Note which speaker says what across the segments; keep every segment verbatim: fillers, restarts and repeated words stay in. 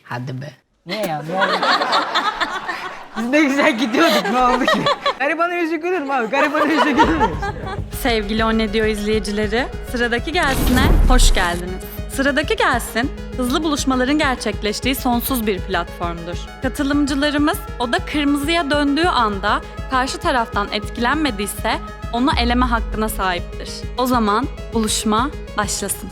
Speaker 1: Hadi be. Niye ya? Ne oldu? Biz ne güzel gidiyorduk, ne oldu ki? Garibanın yüzü gülür mü abi? Garibanın yüzü gülür mü?
Speaker 2: Sevgili O Ne Diyor izleyicileri, Sıradaki Gelsin'e hoş geldiniz. Sıradaki Gelsin, hızlı buluşmaların gerçekleştiği sonsuz bir platformdur. Katılımcılarımız oda kırmızıya döndüğü anda karşı taraftan etkilenmediyse onu eleme hakkına sahiptir. O zaman buluşma başlasın.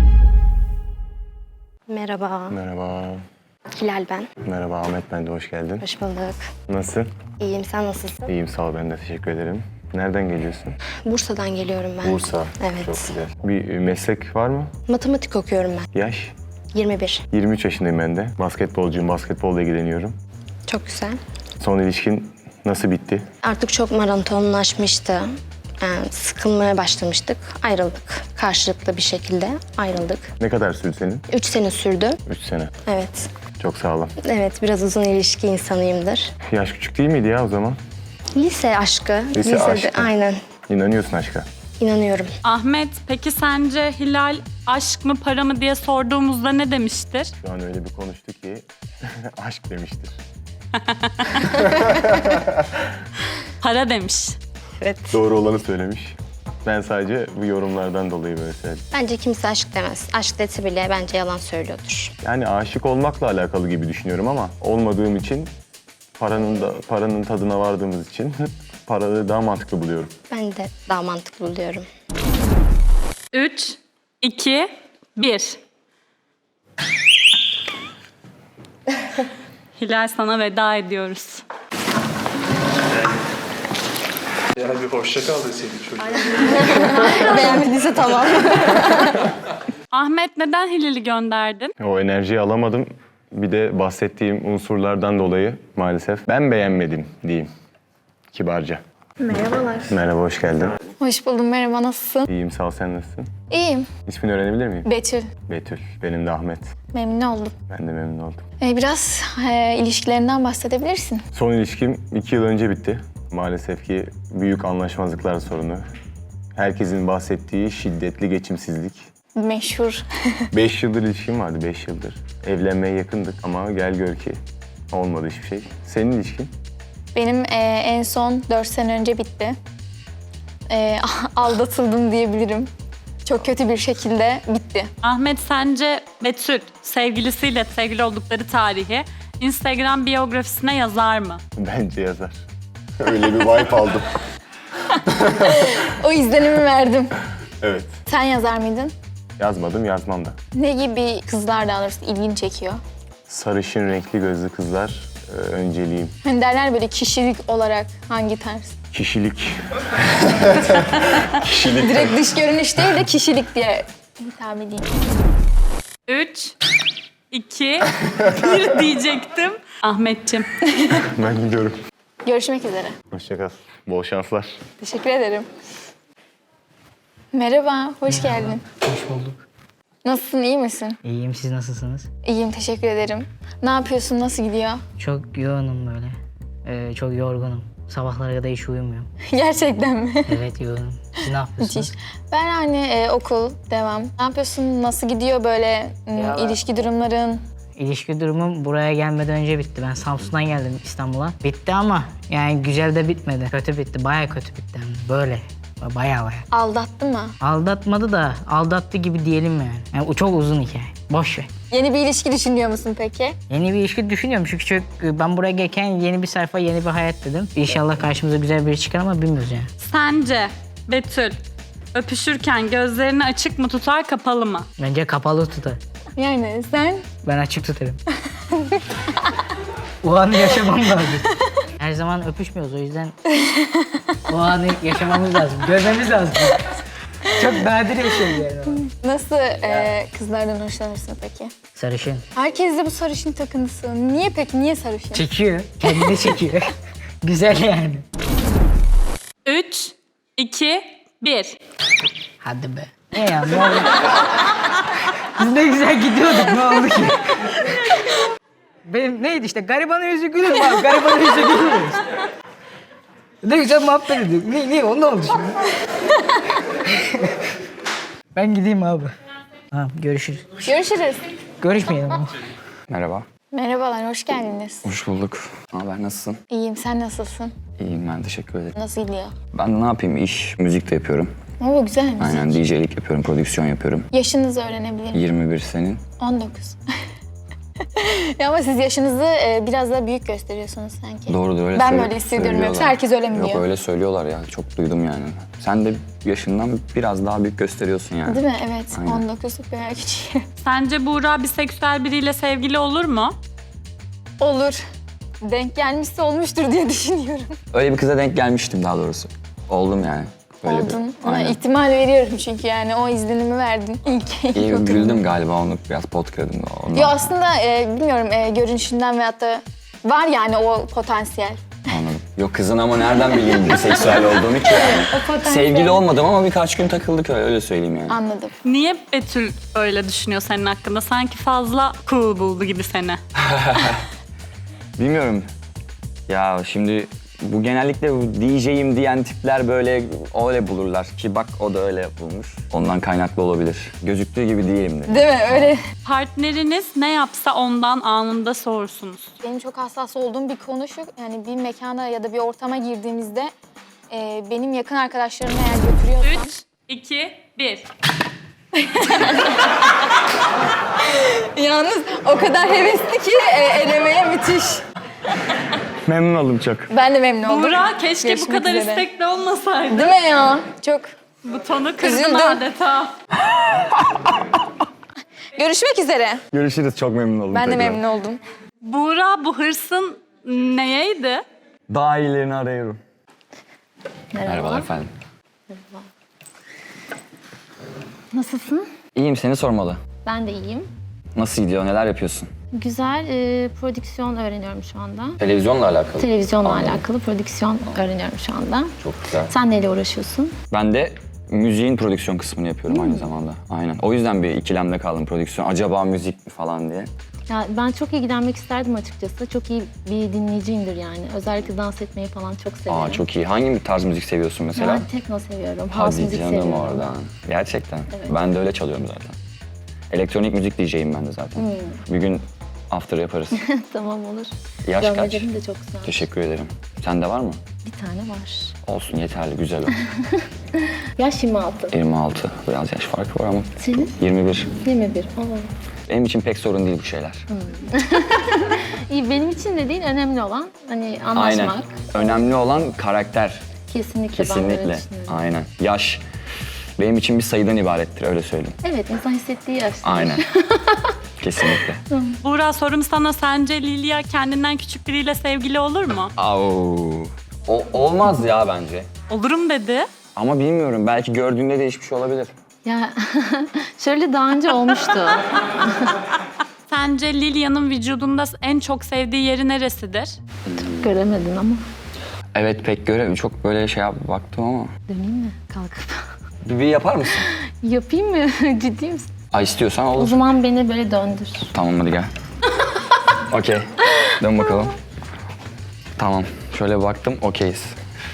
Speaker 3: Merhaba,
Speaker 4: Merhaba.
Speaker 3: Hilal ben.
Speaker 4: Merhaba Ahmet, ben de hoş geldin.
Speaker 3: Hoş bulduk.
Speaker 4: Nasılsın?
Speaker 3: İyiyim, sen nasılsın?
Speaker 4: İyiyim, sağ ol, ben de teşekkür ederim. Nereden geliyorsun?
Speaker 3: Bursa'dan geliyorum ben.
Speaker 4: Bursa.
Speaker 3: Evet.
Speaker 4: Çok güzel. Bir meslek var mı?
Speaker 3: Matematik okuyorum ben.
Speaker 4: Yaş?
Speaker 3: yirmi bir.
Speaker 4: yirmi üç yaşındayım ben de. Basketbolcuyum, basketbolla ilgileniyorum.
Speaker 3: Çok güzel.
Speaker 4: Son ilişkin nasıl bitti?
Speaker 3: Artık çok maratonlaşmıştı. Yani sıkılmaya başlamıştık. Ayrıldık. Karşılıklı bir şekilde ayrıldık.
Speaker 4: Ne kadar sürdü senin?
Speaker 3: Üç sene sürdü.
Speaker 4: Üç sene.
Speaker 3: Evet.
Speaker 4: Çok sağ olun.
Speaker 3: Evet, biraz uzun ilişki insanıyımdır.
Speaker 4: Yaş küçük değil miydi ya o zaman?
Speaker 3: Lise aşkı.
Speaker 4: Lise
Speaker 3: Lisede,
Speaker 4: aşkı.
Speaker 3: aynen.
Speaker 4: İnanıyorsun aşka.
Speaker 3: İnanıyorum.
Speaker 2: Ahmet, peki sence Hilal aşk mı para mı diye sorduğumuzda ne demiştir?
Speaker 4: Şu an öyle bir konuştu ki aşk demiştir.
Speaker 2: Para demiş.
Speaker 3: Evet.
Speaker 4: Doğru olanı söylemiş. Ben sadece bu yorumlardan dolayı böyle söyledim.
Speaker 3: Bence kimse aşk demez. Aşk dese bile bence yalan söylüyordur.
Speaker 4: Yani aşık olmakla alakalı gibi düşünüyorum ama olmadığım için paranın da paranın tadına vardığımız için paraları daha mantıklı buluyorum.
Speaker 3: Ben de daha mantıklı buluyorum.
Speaker 2: Üç, iki, bir. Hilal, sana veda ediyoruz.
Speaker 5: Yani bir hoşça kal deseydik çocuğa.
Speaker 3: Beğenmediyse tamam.
Speaker 2: Ahmet, neden Hilal'i gönderdin?
Speaker 4: O enerjiyi alamadım. Bir de bahsettiğim unsurlardan dolayı maalesef ben beğenmedim diyeyim kibarca.
Speaker 6: Merhabalar.
Speaker 4: Merhaba, hoş geldin.
Speaker 6: Hoş buldum. Merhaba, nasılsın?
Speaker 4: İyiyim, sağ ol, sen nasılsın?
Speaker 6: İyiyim.
Speaker 4: İsmini öğrenebilir miyim?
Speaker 6: Betül.
Speaker 4: Betül. Benim de Ahmet.
Speaker 6: Memnun oldum.
Speaker 4: Ben de memnun oldum.
Speaker 6: Ee, biraz e, ilişkilerinden bahsedebilirsin.
Speaker 4: Son ilişkim iki yıl önce bitti. Maalesef ki büyük anlaşmazlıklar sorunu. Herkesin bahsettiği şiddetli geçimsizlik.
Speaker 6: Meşhur.
Speaker 4: Beş yıldır ilişkim vardı, beş yıldır. Evlenmeye yakındık ama gel gör ki olmadı hiçbir şey. Senin ilişkin?
Speaker 6: Benim e, en son dört sene önce bitti. E, aldatıldım diyebilirim. Çok kötü bir şekilde bitti.
Speaker 2: Ahmet, sence Betül sevgilisiyle sevgili oldukları tarihi Instagram biyografisine yazar mı?
Speaker 4: Bence yazar. Öyle bir vibe aldım.
Speaker 6: O izlenimi verdim.
Speaker 4: Evet.
Speaker 6: Sen yazar mıydın?
Speaker 4: Yazmadım, yazmam da.
Speaker 6: Ne gibi kızlar daha doğrusu ilgini çekiyor?
Speaker 4: Sarışın renkli gözlü kızlar e, önceliğim.
Speaker 6: Hani derler böyle kişilik olarak hangi tarz?
Speaker 4: Kişilik. Kişilik.
Speaker 6: Direkt dış görünüş değil de kişilik diye hitap edeyim.
Speaker 2: Üç, iki, bir diyecektim. Ahmetciğim.
Speaker 4: Ben gidiyorum.
Speaker 6: Görüşmek üzere.
Speaker 4: Hoşça kal. Bol şanslar.
Speaker 6: Teşekkür ederim. Merhaba, hoş geldin.
Speaker 1: Hoş bulduk.
Speaker 6: Nasılsın, iyi misin?
Speaker 1: İyiyim, siz nasılsınız?
Speaker 6: İyiyim, teşekkür ederim. Ne yapıyorsun, nasıl gidiyor?
Speaker 1: Çok yoğunum böyle. Ee, çok yorgunum. Sabahlara kadar hiç uyumuyorum.
Speaker 6: Gerçekten mi?
Speaker 1: Evet, yoğunum. Siz ne yapıyorsunuz?
Speaker 6: Müthiş. Ben hani e, okul, devam. Ne yapıyorsun, nasıl gidiyor böyle m,
Speaker 1: Ya-
Speaker 6: ilişki durumların?
Speaker 1: İlişki durumum buraya gelmeden önce bitti. Ben Samsun'dan geldim İstanbul'a. Bitti ama yani güzel de bitmedi. Kötü bitti, bayağı kötü bitti. Yani böyle, bayağı bayağı.
Speaker 6: Aldattı mı?
Speaker 1: Aldatmadı da aldattı gibi diyelim yani. Yani o çok uzun hikaye. Boş ver.
Speaker 6: Yeni bir ilişki düşünüyor musun peki?
Speaker 1: Yeni bir ilişki düşünüyorum çünkü çok, ben buraya gelirken yeni bir sayfa, yeni bir hayat dedim. İnşallah karşımıza güzel biri çıkar ama bilmiyoruz yani.
Speaker 2: Sence Betül öpüşürken gözlerini açık mı tutar, kapalı mı?
Speaker 1: Bence kapalı tutar.
Speaker 6: Yani sen?
Speaker 1: Ben açık tutarım. O anı yaşamam lazım. Her zaman öpüşmüyoruz o yüzden o anı yaşamamız lazım, görmemiz lazım. Çok nadir bir şey yani.
Speaker 6: Nasıl e, kızlardan hoşlanırsın peki?
Speaker 1: Sarışın.
Speaker 6: Herkes de bu sarışın takıntısı. Niye peki, niye sarışın?
Speaker 1: Çekiyor, kendini çekiyor. Güzel yani.
Speaker 2: Üç, iki, bir.
Speaker 1: Hadi be. Ne ya, ne oldu? Biz ne güzel gidiyorduk, ne oldu ki? Benim neydi işte, garibanın yüzü gülür mü abi? Garibanın yüzü gülür mü işte? Ne güzel muhabbet ediyorduk. Ne, ne, o ne oldu şimdi? Ben gideyim abi. Tamam, görüşürüz.
Speaker 6: Görüşürüz.
Speaker 1: Görüşmeyelim ama.
Speaker 7: Merhaba.
Speaker 6: Merhabalar, hoş geldiniz.
Speaker 7: Hoş bulduk. Ne haber, nasılsın?
Speaker 6: İyiyim, sen nasılsın?
Speaker 7: İyiyim ben, teşekkür ederim.
Speaker 6: Nasıl gidiyor?
Speaker 7: Ben de ne yapayım, iş, müzik de yapıyorum.
Speaker 6: Oo, güzel müzik.
Speaker 7: Aynen, D J'lik yapıyorum, prodüksiyon yapıyorum.
Speaker 6: Yaşınızı öğrenebilir miyim?
Speaker 7: yirmi bir senin.
Speaker 6: on dokuz. Ya ama siz yaşınızı e, biraz daha büyük gösteriyorsunuz sanki.
Speaker 7: Doğru da öyle
Speaker 6: Ben
Speaker 7: söyle-
Speaker 6: böyle hissediyorum,
Speaker 7: söylüyorlar.
Speaker 6: yoksa herkes öyle mi
Speaker 7: Yok
Speaker 6: diyor?
Speaker 7: öyle söylüyorlar ya, çok duydum yani. Sen de yaşından biraz daha büyük gösteriyorsun yani.
Speaker 6: Değil mi? Evet,
Speaker 7: Aynen.
Speaker 6: on dokuzluk bayağı küçük.
Speaker 2: Sence Buğra biseksüel biriyle sevgili olur mu?
Speaker 6: Olur. Denk gelmişse olmuştur diye düşünüyorum.
Speaker 7: Öyle bir kıza denk gelmiştim daha doğrusu. Oldum yani. Öyle bir-
Speaker 6: Oldun. Ona
Speaker 7: Aynen.
Speaker 6: ihtimal veriyorum çünkü yani o izlenimi verdin. İlk, ilk
Speaker 7: İyi
Speaker 6: oturumda.
Speaker 7: güldüm galiba, onu biraz pot kırdım da ondan.
Speaker 6: Ya aslında e, bilmiyorum e, görünüşünden veyahut da var yani o potansiyel.
Speaker 7: Anladım. Yok kızın ama nereden bileyim biseksüel olduğunu ki yani.
Speaker 6: potansiyel.
Speaker 7: Sevgili olmadım ama birkaç gün takıldık öyle, öyle söyleyeyim yani.
Speaker 6: Anladım.
Speaker 2: Niye Betül öyle düşünüyor senin hakkında? Sanki fazla cool buldu gibi seni.
Speaker 7: Bilmiyorum. Ya şimdi bu genellikle bu D J'yim diyen tipler böyle öyle bulurlar ki bak o da öyle bulmuş. Ondan kaynaklı olabilir. Gözüktüğü gibi değilim de.
Speaker 6: Değil mi? Öyle.
Speaker 2: Partneriniz ne yapsa ondan anında soğursunuz.
Speaker 6: Benim çok hassas olduğum bir konu şu, yani bir mekana ya da bir ortama girdiğimizde e, benim yakın arkadaşlarımı eğer götürüyorsam...
Speaker 2: üç, iki, bir.
Speaker 6: Yalnız o kadar hevesli ki e, elemeye müthiş.
Speaker 7: Memnun oldum çok.
Speaker 6: Ben de memnun oldum.
Speaker 2: Buğra keşke
Speaker 6: Görüşmek
Speaker 2: bu kadar
Speaker 6: üzere.
Speaker 2: istekli olmasaydı.
Speaker 6: Değil mi ya? Çok.
Speaker 2: Butonu kırdın
Speaker 6: Üzüldüm.
Speaker 2: adeta.
Speaker 6: Görüşmek üzere.
Speaker 7: Görüşürüz, çok memnun oldum.
Speaker 6: Ben de
Speaker 7: tekrar.
Speaker 6: memnun oldum.
Speaker 2: Buğra bu hırsın neyeydi?
Speaker 7: Daha iyilerini arıyorum.
Speaker 6: Merhaba.
Speaker 7: Merhabalar efendim.
Speaker 8: Nasılsın?
Speaker 7: İyiyim, seni sormalı.
Speaker 8: Ben de iyiyim.
Speaker 7: Nasıl gidiyor, neler yapıyorsun?
Speaker 8: Güzel e, prodüksiyon öğreniyorum şu anda.
Speaker 7: Televizyonla alakalı.
Speaker 8: Televizyonla
Speaker 7: Anladım.
Speaker 8: alakalı prodüksiyon öğreniyorum şu anda.
Speaker 7: Çok güzel.
Speaker 8: Sen neyle uğraşıyorsun?
Speaker 7: Ben de müziğin prodüksiyon kısmını yapıyorum aynı zamanda. Aynen. O yüzden bir ikilemde kaldım prodüksiyon. Acaba müzik mi falan diye.
Speaker 8: Ya ben çok ilgilenmek isterdim açıkçası. Çok iyi bir dinleyiciyimdir yani. Özellikle dans etmeyi falan çok severim.
Speaker 7: Aa çok iyi. Hangi bir tarz müzik seviyorsun mesela?
Speaker 8: Ben tekno seviyorum, house
Speaker 7: Hadi
Speaker 8: müzik
Speaker 7: canım
Speaker 8: seviyorum.
Speaker 7: oradan. Gerçekten.
Speaker 8: Evet.
Speaker 7: Ben de öyle çalıyorum zaten. Elektronik müzik D J'yim ben de zaten. Bir gün after yaparız.
Speaker 8: Tamam olur.
Speaker 7: Yaş kaç?
Speaker 8: Görmelerim de çok güzel.
Speaker 7: Teşekkür ederim. Sende var mı?
Speaker 8: Bir tane var.
Speaker 7: Olsun yeterli, güzel o.
Speaker 8: Yaş yirmi altı.
Speaker 7: yirmi altı. Biraz yaş farkı var ama.
Speaker 8: Senin?
Speaker 7: yirmi bir.
Speaker 8: yirmi bir. Oo.
Speaker 7: Benim için pek sorun değil bu şeyler.
Speaker 8: İyi, benim için de değil, önemli olan hani anlaşmak.
Speaker 7: Aynen. Önemli olan karakter.
Speaker 8: Kesinlikle, ben de öyle
Speaker 7: Kesinlikle.
Speaker 8: düşünüyorum.
Speaker 7: Aynen. Yaş benim için bir sayıdan ibarettir, öyle söyleyeyim.
Speaker 8: Evet, insan hissettiği yaş.
Speaker 7: Aynen. Kesinlikle.
Speaker 2: Buğra sorum sana, sence Lilia kendinden küçük biriyle sevgili olur mu?
Speaker 7: Au. O, olmaz ya bence.
Speaker 2: Olurum dedi.
Speaker 7: Ama bilmiyorum, belki gördüğünde değişmiş olabilir.
Speaker 8: Ya şöyle daha önce olmuştu.
Speaker 2: Sence Lilia'nın vücudunda en çok sevdiği yeri neresidir?
Speaker 8: Göremedin ama.
Speaker 7: Evet pek göre çok böyle şey yap baktım ama.
Speaker 8: Döneyim mi kalkıp?
Speaker 7: Bir, bir yapar mısın?
Speaker 8: Yapayım mı? Ciddi misin?
Speaker 7: Ay istiyorsan
Speaker 8: O
Speaker 7: olur.
Speaker 8: zaman beni böyle döndür.
Speaker 7: Tamam hadi gel. Okey. Dön bakalım. Tamam. Şöyle bir baktım. Okeyiz.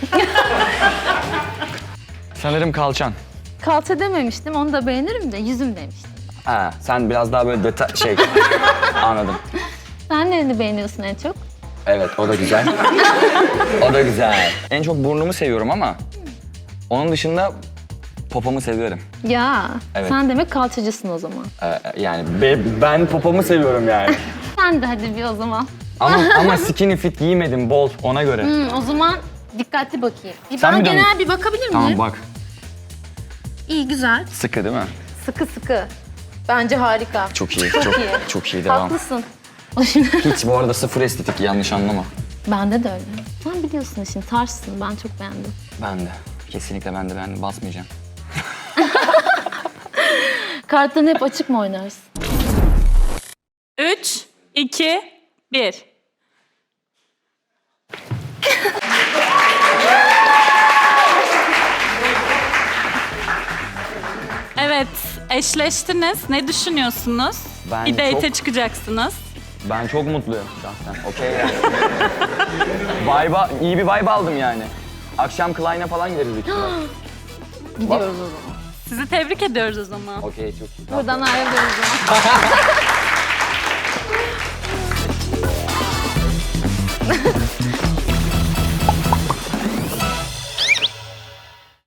Speaker 7: Sanırım kalçan.
Speaker 8: Kalça dememiştim, onu da beğenirim de yüzüm demiştim.
Speaker 7: Ha, sen biraz daha böyle detay şey. Anladım.
Speaker 8: Sen nereni beğeniyorsun en çok?
Speaker 7: Evet, o da güzel. O da güzel. En çok burnumu seviyorum ama onun dışında popomu seviyorum.
Speaker 8: Ya,
Speaker 7: Evet.
Speaker 8: sen demek kalçacısın o zaman.
Speaker 7: Ee, yani be- ben popomu seviyorum yani.
Speaker 8: Sen de hadi bir o zaman.
Speaker 7: Ama ama skinny fit giymedim bol ona göre.
Speaker 8: Hmm, o zaman dikkatli bakayım. Bir
Speaker 7: Sen
Speaker 8: bana
Speaker 7: bir dön.
Speaker 8: genel bir bakabilir miyim?
Speaker 7: Tamam bak.
Speaker 8: İyi, güzel.
Speaker 7: Sıkı değil mi?
Speaker 8: Sıkı sıkı. Bence harika.
Speaker 7: Çok iyi.
Speaker 8: Çok,
Speaker 7: Çok,
Speaker 8: iyi.
Speaker 7: çok iyi devam.
Speaker 8: Haklısın. O şimdi
Speaker 7: Hiç bu arada sıfır estetik, yanlış anlama.
Speaker 8: bende de öyle. Sen biliyorsun işin, tarzsın. Ben çok beğendim.
Speaker 7: Ben de. Kesinlikle ben de ben de basmayacağım.
Speaker 8: Kartların hep açık mı oynarsın?
Speaker 2: Üç, iki, bir. Evet, eşleştiniz. Ne düşünüyorsunuz?
Speaker 7: Ben
Speaker 2: bir date'e
Speaker 7: çok-
Speaker 2: çıkacaksınız.
Speaker 7: Ben çok mutluyum şahsen. Okey yani. Vibe'a, iyi bir vibe aldım yani. Akşam Klein'e falan gideriz büyük ihtimalle.
Speaker 8: Gidiyoruz o zaman.
Speaker 2: Sizi tebrik ediyoruz o zaman.
Speaker 7: Okey çok iyi.
Speaker 8: Buradan ayrılıyoruz o zaman.